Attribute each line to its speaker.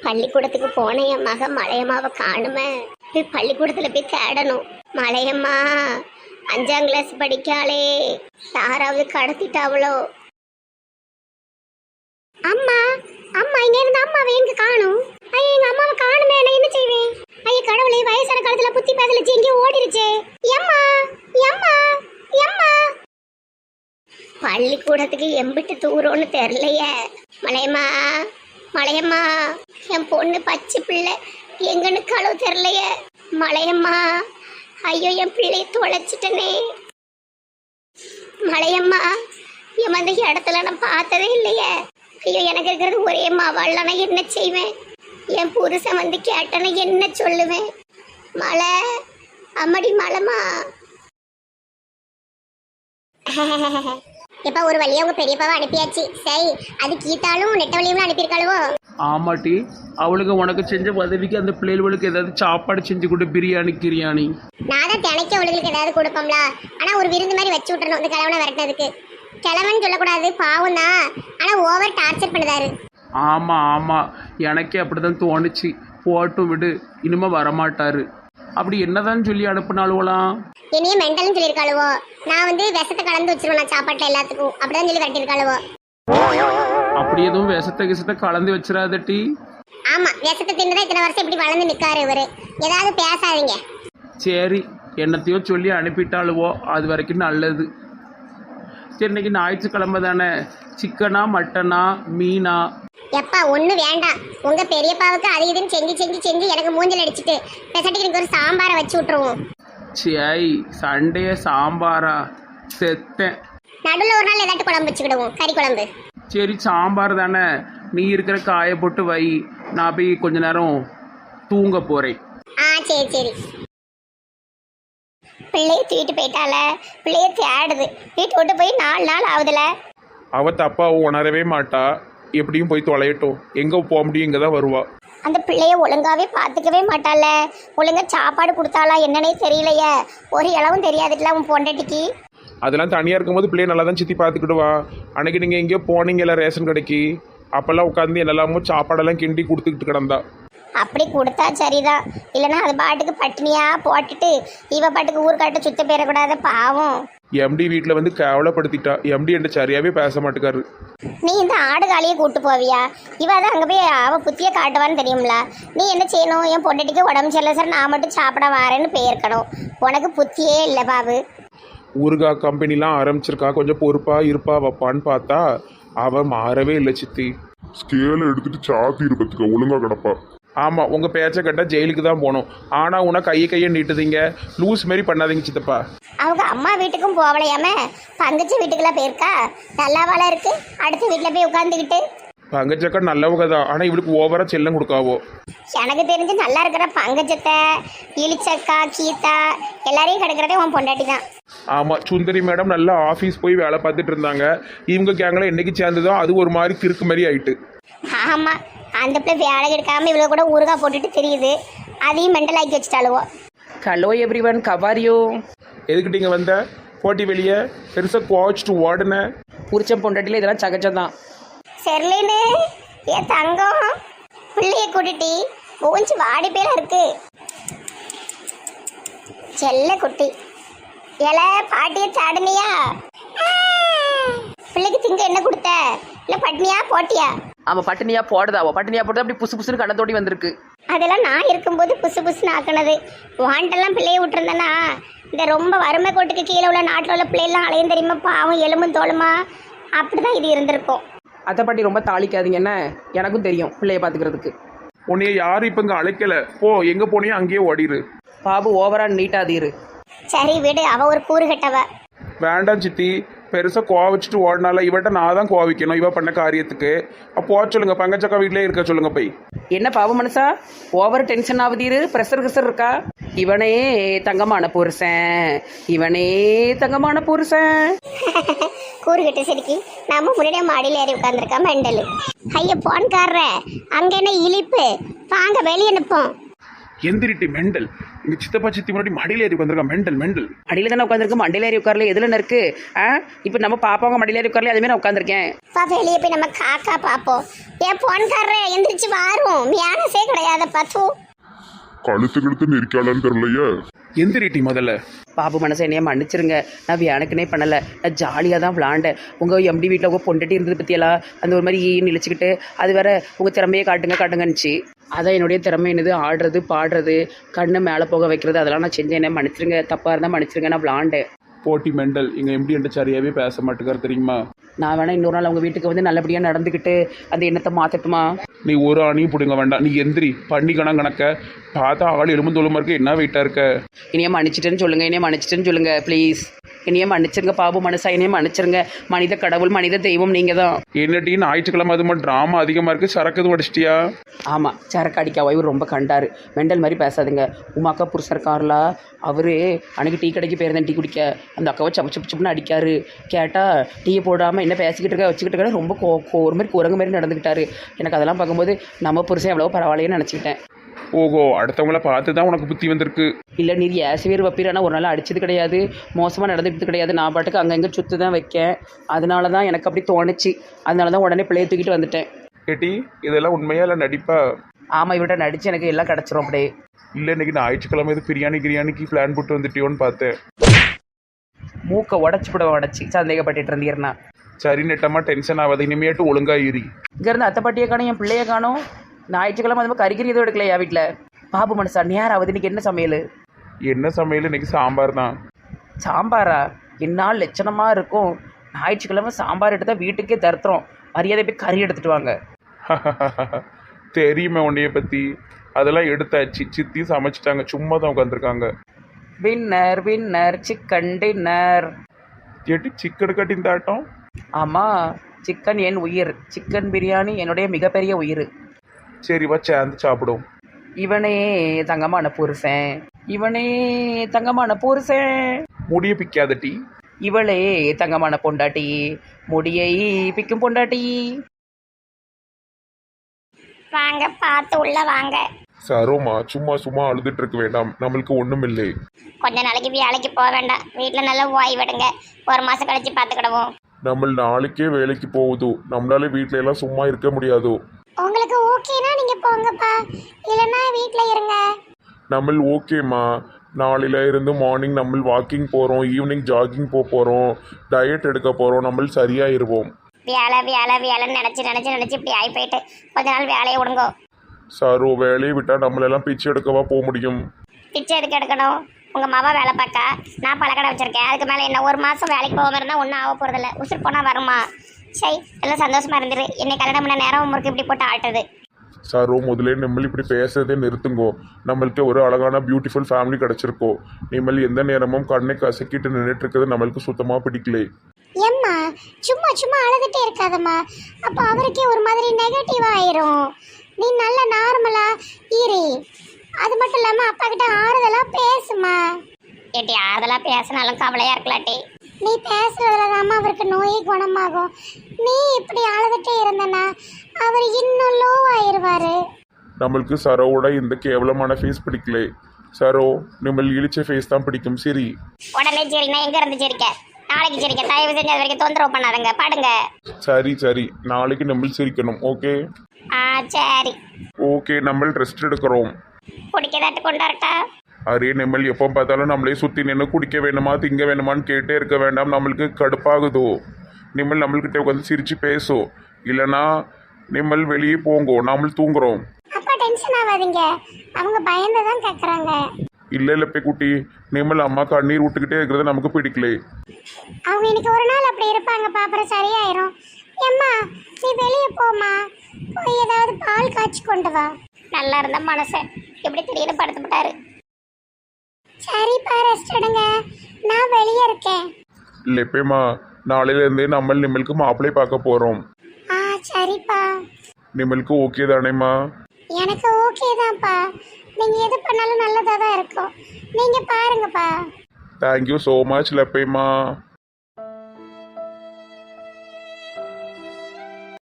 Speaker 1: பள்ளிக்கூடத்துக்கு போன என் மக மலையம்மாவை காணுமே. போய் பள்ளிக்கூடத்துல போய் தேடணும். மலையம்மா 5ஆம் கிளாஸ் படிக்காளே, யாராவது கடத்திட்டாவளோ? அம்மா அம்மா இங்க இருந்து அம்மாவை எங்க காணும்? ஐயா எங்க அம்மாவை காணுமே, நான் என்ன செய்வேன்? ஐயா கடவுளே, வயசான காலத்துல புத்தி பேசலச்சு எங்கேயோ ஓடிருச்சே. எம்மா எம்மா எம்மா. பள்ளிக்கூடத்துக்கு எம்பிட்டு தூரம்னு தெரியலையே. மலையம்மா மலையம்மா, என் பொண்ணு பச்சை பிள்ளை எங்கன்னு களவு தெரியலையே. மலையம்மா, ஐயோ என் பிள்ளையை தொலைச்சிட்டனே. மலையம்மா, என் அந்த இடத்துல நான் பார்த்ததே இல்லையே. ஐயோ எனக்கு இருக்கிறது ஒரே மாவாள், நான் என்ன செய்வேன்? என் புருஷன் வந்து கேட்டன என்ன சொல்லுவேன்? மலை அம்மடி மலைமா. இப்ப ஒரு வழியா உங்க பெரியப்பாவை அனுப்பியாச்சு. சரி, அது கீத்தாலும் நெட்டவழியும் அனுப்பியிருக்காளுவோ?
Speaker 2: ஆமாட்டி, அவளுக்கு உனக்கு செஞ்ச உதவிக்கு அந்த பிள்ளைகளுக்கு ஏதாவது சாப்பாடு செஞ்சு கொடு, பிரியாணி கிரியாணி.
Speaker 1: நான் தான் தினைக்க அவளுக்கு ஏதாவது கொடுப்போம்ல. ஆனா ஒரு விருந்து மாதிரி வச்சு விட்டுறணும் இந்த கிழவனை விரட்டினதுக்கு. கிழவன் சொல்லக்கூடாது, பாவம் தான். ஆனா ஓவர் டார்ச்சர் பண்ணுதாரு.
Speaker 2: ஆமாம் ஆமாம், எனக்கே அப்படிதான் தோணுச்சு. போட்டும் விடு, இனிமே வரமாட்டாரு. அப்படி என்னதான் சொல்லி அனுப்புனாலுவலாம்?
Speaker 1: என்னையே மெண்டல்னு சொல்லியிருக்காளுவோ. நான் வந்து விஷத்தை கலந்து வச்சிருவேன் நான் சாப்பாட்டில் எல்லாத்துக்கும், அப்படிதான் சொல்லி விரட்டியிருக்காளுவோ.
Speaker 2: அப்படி எதுவும் விஷத்தை கலந்து வச்சிடாதட்டி.
Speaker 1: ஆமா, விஷத்தை தின்னுதான் இத்தனை வருஷம் இப்படி வளர்ந்து நிற்காரு இவரு. ஏதாவது பேசாதீங்க.
Speaker 2: சரி, என்னத்தையோ சொல்லி அனுப்பிட்டாளுவோ, அது வரைக்கும் நல்லது. சரி, இன்னைக்கு ஞாயிற்றுக்கிழமை தானே, சிக்கனா மட்டனா மீனா?
Speaker 1: எப்பா ஒண்ணு வேண்டாம். உங்க பெரியப்பாவுக்கு அது இதுன்னு செஞ்சு செஞ்சு செஞ்சு எனக்கு மூஞ்சல் அடிச்சுட்டு பெசட்டுக்கு எனக்கு ஒரு சாம்பாரை வச்சு விட்டுருவோம்.
Speaker 2: சரி, சண்டே சாம்பாரா? செத்தேன்.
Speaker 1: நடுவில் ஒரு நாள் ஏதாட்டு குழம்பு வச்சுக்கிடுவோம், கறி குழம்பு.
Speaker 2: சரி, சாம்பார் தானே, நீ இருக்கிற காய போட்டு வை, நான் போய் கொஞ்ச நேரம் தூங்க போறேன்.
Speaker 1: சரி சரி. பிள்ளைய தூக்கிட்டு போயிட்டால, பிள்ளைய தேடுது. வீட்டு விட்டு போய் 4 நாள் ஆகுதுல.
Speaker 3: அவ தப்பா உணரவே மாட்டா. எப்படியும் போய் தொலையட்டும், எங்க போக முடியும், இங்க தான் வருவா.
Speaker 1: அந்த பிள்ளைய ஒழுங்காவே பார்த்துக்கவே மாட்டால. ஒழுங்கா சாப்பாடு கொடுத்தாளா என்னன்னே தெரியலையே. ஒரு இளவும் தெரியாதுல உன் பொண்டாட்டிக்கு.
Speaker 3: அதெல்லாம் தனியா இருக்கும்போது பிள்ளைய நல்லா தான் சித்தி பார்த்துக்கிடுவா. அன்னைக்கு நீங்க எங்கேயோ போனீங்கல்ல ரேஷன் கடைக்கு, அப்பெல்லாம் உட்காந்து என்னெல்லாமோ சாப்பாடெல்லாம் கிண்டி கொடுத்துக்கிட்டு கிடந்தா.
Speaker 1: அப்படி கொடுத்தா சரிதான். இல்லைன்னா அது பாட்டுக்கு பட்டினியா போட்டுட்டு இவ பாட்டுக்கு ஊர்காட்ட சுத்த போயிடக்கூடாத பாவம்.
Speaker 3: எம்டி வீட்டில் வந்து கேவலப்படுத்திட்டா. எம்டி என்கிட்ட சரியாவே பேச மாட்டேக்காரு.
Speaker 1: நீ இந்த ஆடு காலியை கூட்டு போவியா? இவ தான் அங்கே போய் அவ புத்திய காட்டுவான்னு தெரியும்ல. நீ என்ன செய்யணும்? என் பொண்டாட்டிக்கு உடம்பு சரியில்லை சார், நான் மட்டும் சாப்பிட வரேன்னு போயிருக்கணும். உனக்கு புத்தியே இல்லை பாபு.
Speaker 3: ஊருகா கம்பெனிலாம் ஆரம்பிச்சிருக்கா, கொஞ்சம் பொறுப்பா இருப்பா வைப்பான்னு பார்த்தா அவ மாறவே இல்லை சித்தி.
Speaker 4: ஸ்கேலை எடுத்துட்டு சாத்தி இருப்பதுக்கு ஒழுங்கா கிடப்பா.
Speaker 3: ஆமாம், உங்கள் பேச்சை கேட்டால் ஜெயிலுக்கு தான் போகணும். ஆனால் உன கையை நீட்டுதீங்க, லூஸ் மாரி பண்ணாதீங்க சித்தப்பா.
Speaker 1: அவங்க அம்மா வீட்டுக்கும் போகலையாம பங்கச்சி வீட்டுக்குலாம் போயிருக்கா. நல்லாவால இருக்கு. அடுத்த வீட்டில் போய் உட்காந்துக்கிட்டு.
Speaker 3: பங்கச்சக்கா நல்லவங்க தான், ஆனால் இவளுக்கு ஓவராக செல்லம் கொடுக்காவோ.
Speaker 1: எனக்கு தெரிஞ்சு நல்லா இருக்கிற பங்கஜத்தை, இளிச்சக்கா, கீதா எல்லாரையும் கிடக்கிறதே உன் பொண்டாட்டி தான்.
Speaker 3: ஆமாம், சுந்தரி மேடம் நல்லா ஆஃபீஸ் போய் வேலை பார்த்துட்டு இருந்தாங்க. இவங்க கேங்கில் என்னைக்கு சேர்ந்ததோ அது ஒரு மாதிரி கிறுக்கு மாதிரி ஆயிட்டு.
Speaker 1: ஆமாம், அந்த பிள்ளை வேலை எடுக்காமல் இவ்வளோ கூட ஊறுகா போட்டுட்டு தெரியுது. அதையும் மெண்டல் ஆக்கி வச்சுட்டாளுவோ.
Speaker 2: ஹலோ எவ்ரி ஒன், கவாரியோ?
Speaker 3: எதுக்கிட்ட இங்கே வந்த? போட்டி வெளியே பெருசாக குவாச்சிட்டு ஓடுன.
Speaker 2: புரிச்ச பொண்டாட்டியில் இதெல்லாம் சகஜம்தான்.
Speaker 1: செர்லின்னு என் தங்கம், பிள்ளைய கூட்டிட்டு மூஞ்சி வாடி பேரா இருக்கு. செல்ல குட்டி இல பாட்டிய சாடுனியா? பிள்ளைக்கு திங்க என்ன கொடுத்த? இல்லை பட்னியா போட்டியா?
Speaker 2: ஆமாம், பட்டினியா போடுதாவோ. பட்டினியா போட்டு அப்படி புசு புசுன்னு கண்ணத்தோடி வந்திருக்கு.
Speaker 1: அதெல்லாம் நான் இருக்கும்போது புசு புசுன்னு ஆக்கினது. வாண்டெல்லாம் பிள்ளைய விட்டுருந்தேன்னா இந்த ரொம்ப வறுமை கோட்டுக்கு கீழே உள்ள நாட்டில் உள்ள பிள்ளைலாம் அலையும் தெரியுமா, பாவம் எலும்பும் தோலுமா. அப்படிதான் இது இருந்திருக்கும்.
Speaker 2: அதை பாட்டி ரொம்ப தாளிக்காதீங்க, என்ன எனக்கும் தெரியும் பிள்ளைய பார்த்துக்கிறதுக்கு.
Speaker 3: உன்னைய யாரும் இப்போ இங்கே அழைக்கலை, போ எங்கே போனியோ அங்கேயே ஓடிடு.
Speaker 2: பாபு ஓவரா நீட்டாதீரு.
Speaker 1: சரி விடு, அவ ஒரு கூறு கட்டவ.
Speaker 3: வேண்டாம் சித்தி, பெருசாக கோவச்சிட்டு ஓடினால இவட்ட நான் தான் கோவிக்கணும் இவ பண்ண காரியத்துக்கு. அப்போ சொல்லுங்க, பங்கச்சக்கா வீட்டிலே இருக்க சொல்லுங்க போய்.
Speaker 2: என்ன பாவ மனசா ஓவர் டென்ஷன் ஆகுதீரு? ப்ரெஷர் கிசர் இருக்கா? இவனே தங்கமான புருஷன், இவனே தங்கமான புருஷன்.
Speaker 1: கூறுகிட்டு சிரிக்கி நம்ம முன்னாடியே மாடியில் ஏறி உட்காந்துருக்கா மெண்டலு. ஐயா போன்காரர, அங்க என்ன இழிப்பு? வாங்க வெளியே நிற்போம்.
Speaker 3: எந்திரிட்டி மெண்டல். இங்க சித்தப்பா சித்தி முன்னாடி மடியில் ஏறி உட்காந்துருக்கா மெண்டல் மெண்டல்.
Speaker 2: அடியில் தானே உட்காந்துருக்கு, மண்டியில் ஏறி உட்காரல. எதுல இருக்கு? இப்போ நம்ம பாப்பாங்க மடியில் ஏறி உட்காரல, அதுமாதிரி நான் உட்காந்துருக்கேன்.
Speaker 1: வெளியே போய் நம்ம காக்கா பார்ப்போம். ஏன் போன்காரரே எந்திரிச்சு வாரும் மியானஸே கிடையாத பத்து.
Speaker 4: கழுத்து கழுத்து நெரிக்காளான்னு தெரியலையே.
Speaker 2: எந்திரிட்டி முதல்ல.
Speaker 5: பாபு மனசை என்னைய மன்னிச்சிருங்க. நான் எனக்குனே பண்ணலை, நான் ஜாலியாக தான் விளாண்டேன். உங்கள் எம்டி வீட்டில் உங்கள் பொண்டட்டி இருந்தது பற்றியெல்லாம் அந்த ஒரு மாதிரி இழிச்சிக்கிட்டு அது வேற உங்கள் திறமையை காட்டுங்கன்னுச்சு. அதான் என்னுடைய திறமை என்னது, ஆடுறது பாடுறது கண்ணை மேலே போக வைக்கிறது, அதெல்லாம் நான் செஞ்சேன். என்ன மன்னிச்சிருங்க, தப்பாக இருந்தால் மன்னிச்சிருங்க. நான் விளாண்டேன்.
Speaker 2: போட்டி மெண்டல் எங்கள் எம்டி என்கிட்ட சரியாகவே பேச மாட்டேங்கார் தெரியுமா?
Speaker 5: நான் வேணா இன்னொரு நாள் அவங்க வீட்டுக்கு வந்து நல்லபடியாக நடந்துக்கிட்டு அந்த எண்ணத்தை மாற்றட்டுமா?
Speaker 2: நீ ஒரு அணியும் பிடுங்க வேண்டாம். நீ எந்திரி. பண்ணிக்கணும் கணக்க பார்த்தா ஆள் எலும்புந்தோலுமா இருக்க, என்ன வெயிட்டாக இருக்க.
Speaker 5: இனியே மன்னிச்சிட்டேன்னு சொல்லுங்கள், இனியே மன்னிச்சிட்டேன்னு சொல்லுங்கள் ப்ளீஸ். இனியே மன்னிச்சிருங்க பாபு மனசா, இனியே மன்னிச்சிருங்க. மனித கடவுள் மனித தெய்வம் நீங்கள் தான்.
Speaker 2: என்னட்டி ஞாயிற்றுக்கிழமை அது மாதிரி ட்ராமா அதிகமாக இருக்குது, சரக்கு எதுவும் அடிச்சிட்டியா?
Speaker 5: ஆமாம், சரக்கு அடிக்க இவர் ரொம்ப கண்டார். மெண்டல் மாதிரி பேசாதுங்க. உமாக்கா புருஷர் இருக்கார்லா, அவர் அன்றைக்கி டீ கடைக்கு போயிருந்தேன் டீ குடிக்க. அந்த அக்காவை சப்பு சப்பு சப்புன்னு அடிக்காரு. கேட்டால் டீயை போடாமல் என்ன பேசிக்கிட்டு இருக்க வச்சுக்கிட்டு இருக்க, ரொம்ப ஒரு மாதிரி குரங்கு மாதிரி நடந்துக்கிட்டாரு. எனக்கு அதெல்லாம் பார்க்கும்போது நம்ம புருஷன் எவ்வளோ பரவாயில்லைன்னு நினச்சிக்கிட்டேன்.
Speaker 2: ஓஹோ, அடுத்தவங்கள பார்த்து தான் உனக்கு புத்தி வந்திருக்கு.
Speaker 5: இல்லை நீர் ஏசுவேர் வப்பீரானா ஒரு நாள் அடிச்சது கிடையாது, மோசமாக நடந்துக்கிட்டு கிடையாது. நான் பாட்டுக்கு அங்கங்கே சுற்று தான் வைக்கேன். அதனால தான் எனக்கு அப்படி தோணுச்சு. அதனால தான் உடனே பிள்ளையை தூக்கிட்டு வந்துட்டேன்.
Speaker 2: ஏட்டி இதெல்லாம் உண்மையா இல்லை நடிப்பா?
Speaker 5: ஆமாம், இவர்கிட்ட நடித்து எனக்கு எல்லாம் கிடச்சிரும் அப்படியே.
Speaker 2: இல்லை இன்னைக்கு ஞாயிற்றுக்கிழமை இது பிரியாணிக்கு பிளான் போட்டு வந்துட்டியோன்னு பார்த்தேன்.
Speaker 5: மூக்கை உடச்சி கூட உடச்சி சந்தேகப்பட்டுட்டு இருந்தீர்னா.
Speaker 2: சரி நெட்டமாக டென்ஷன் ஆகாது, இனிமேட்டு ஒழுங்கா ஏறி.
Speaker 5: இங்கேருந்து அத்தை பாட்டியை காணும், என் பிள்ளையை காணும். ஞாயிற்றுக்கிழமை அது மாதிரி கறிக்கறி எதுவும் எடுக்கலையா வீட்டில்? பாபு மனசா நேரம் ஆகுது. இன்னைக்கு என்ன சமையல்?
Speaker 2: என்ன சமையல்? இன்னைக்கு சாம்பார் தான்.
Speaker 5: சாம்பாரா? என்னால் லட்சணமாக இருக்கும். ஞாயிற்றுக்கிழமை சாம்பார் எடுத்தால் வீட்டுக்கே தருத்துறோம். மரியாதை போய் கறி எடுத்துகிட்டு வாங்க.
Speaker 2: தெரியுமே உன்னைய பற்றி. அதெல்லாம் எடுத்தாச்சு, சித்தி சமைச்சிட்டாங்க, சும்மா தான் உட்காந்துருக்காங்க.
Speaker 5: Winner winner chicken dinner.
Speaker 2: ஏட்டி சிக்கன் கட்டின் தாட்டம்?
Speaker 5: ஆமாம், சிக்கன் என் உயிர். சிக்கன் பிரியாணி என்னுடைய மிகப்பெரிய உயிர்.
Speaker 2: சரி வா சேர்ந்து சாப்பிடும்.
Speaker 5: இவனே தங்கமான புருஷன், இவனே தங்கமான புருஷன்.
Speaker 2: முடிய பிக்காத டீ.
Speaker 5: இவளே தங்கமான பொண்டாட்டி, முடியை பிக்கும் பொண்டாட்டி.
Speaker 1: வாங்க பார்த்து உள்ள வாங்க.
Speaker 4: சரோமா சும்மா சும்மா அழுதுட்டு இருக்க வேண்டாம், நம்மளுக்கு ஒண்ணும் இல்லை.
Speaker 1: கொஞ்ச நாளைக்கு வேலைக்கு போக வேண்டாம், வீட்டில் நல்லா ஓய்விடுங்க. ஒரு மாசம் கழிச்சு பார்த்துக்கிடுவோம்.
Speaker 4: நம்ம நாளைக்கே வேலைக்கு போகுது, நம்மளால வீட்ல எல்லாம் சும்மா இருக்க முடியாது.
Speaker 1: உங்களுக்கு ஓகேனா நீங்க போங்கப்பா, இல்லைன்னா வீட்டில் இருங்க.
Speaker 4: நம்ம ஓகேம்மா, நாளையில இருந்து மார்னிங் நம்ம வாக்கிங் போகிறோம், ஈவினிங் ஜாகிங் போகிறோம், டயட் எடுக்க போகிறோம், நம்ம சரியாயிருவோம்.
Speaker 1: வேலை வேலை வேலைன்னு நினச்சி இப்படி ஆகி போயிட்டு கொஞ்ச நாள் வேலையை விடுங்க.
Speaker 4: சரோ வேலையை விட்டால் நம்மளெல்லாம் பிச்சை எடுக்கவா போக முடியும்?
Speaker 1: பிச்சை எதுக்கு எடுக்கணும்? உங்கள் மாமா வேலை பார்க்கா, நான் பழக்கடை வச்சுருக்கேன். அதுக்கு மேலே என்ன ஒரு மாதம் வேலைக்கு போகாமல் இருந்தால் ஒன்றும் ஆக போகிறதில்ல. உசுர் போனால் வருமா? சரி எல்லாம் சந்தோஷமாக இருந்துரு. என்னை கல்யாணம் பண்ண நேரம் முறுக்கு இப்படி போட்டு ஆட்டுது.
Speaker 4: சரோ முதலே நம்ம இப்படி பேசுறதே நிறுத்துங்கோ. நம்மளுக்கு ஒரு அழகான பியூட்டிஃபுல் ஃபேமிலி கிடச்சிருக்கோ. நீங்கள் எந்த நேரமும் கண்ணை கசக்கிட்டு நின்றுட்டு இருக்கிறது நம்மளுக்கு சுத்தமாக பிடிக்கல.
Speaker 1: ஏம்மா சும்மா சும்மா அழுதுகிட்டே இருக்காதம்மா, அப்போ அவருக்கே ஒரு மாதிரி நெகட்டிவ் ஆயிரும். நீ நல்ல நார்மலா இரு. அது மட்டும் இல்லாமல் அப்பா கிட்ட ஆறுதலா பேசுமா. ஏட்டி ஆறுதலா பேசினாலும் கவலையா இருக்கலாட்டி. நீ பேசுறதுலதாம்மா அவருக்கு நோயே குணமாகும். நீ இப்படி அழுதுகிட்டே இருந்தனா அவர் இன்னும் லோ ஆயிருவாரு.
Speaker 4: நம்மளுக்கு சரோவோட இந்த கேவலமான ஃபேஸ் பிடிக்கல. சரோ நம்ம இழிச்ச ஃபேஸ் தான் பிடிக்கும். சரி
Speaker 1: உடனே சரி, நான் எங்க இருந்து சிரிக்க? நாளைக்கு சிரிக்க. தயவு செஞ்சு அது வரைக்கும் தொந்தரவு பண்ணாதுங்க, பாடுங்க.
Speaker 4: சரி சரி, நாளைக்கு நம்ம சிரிக்கணும். ஓகே
Speaker 1: சரி
Speaker 4: ஓகே, நம்ம ரெஸ்ட் எடுக்கிறோம்.
Speaker 1: குடிக்கதாட்டு கொண்டாடட்டா?
Speaker 4: அரே நம்ம எப்போ பார்த்தாலும் நம்மளே சுற்றி நின்று குடிக்க வேணுமா திங்க வேணுமான்னு கேட்டே இருக்க வேண்டாம், நம்மளுக்கு கடுப்பாகுதோ. நிம்மல் நம்மள்கிட்ட உட்காந்து சிரிச்சு பேசும், இல்லைன்னா நிம்மல் வெளியே போங்கோ, நாமல் தூங்குறோம்.
Speaker 1: அப்பா டென்ஷன் ஆகாதீங்க, அவங்க பயந்து தான் கேட்குறாங்க.
Speaker 4: இல்லை இல்லை பே குட்டி, நிம்மல் அம்மா கண்ணீர் விட்டுக்கிட்டே இருக்கிறது நமக்கு பிடிக்கல.
Speaker 1: அவங்க இன்னைக்கு ஒரு நாள் அப்படி இருப்பாங்கப்பா, அப்புறம் சரியாயிரும். ஏம்மா நீ வெளியே போமா, போய் ஏதாவது பால் காய்ச்சி கொண்டு வா. நல்லா இருந்த மனசை எப்படி திடீர்னு படுத்துட்டாரு. சரிப்பா ரெஸ்ட் எடுங்க, நான் வெளியே இருக்கேன்.
Speaker 4: இல்லைப்பேம்மா, நாளையிலேருந்தே நம்ம நிம்மலுக்கு மாப்பிள்ளை பார்க்க போகிறோம்.
Speaker 1: சரிப்பா.
Speaker 4: நிம்மலுக்கு ஓகே தானேம்மா?
Speaker 1: எனக்கு ஓகே தான்ப்பா, நீங்கள் எது பண்ணாலும் நல்லதாக தான் இருக்கும். நீங்கள் பாருங்கப்பா.
Speaker 4: Thank you so much லப்பேம்மா.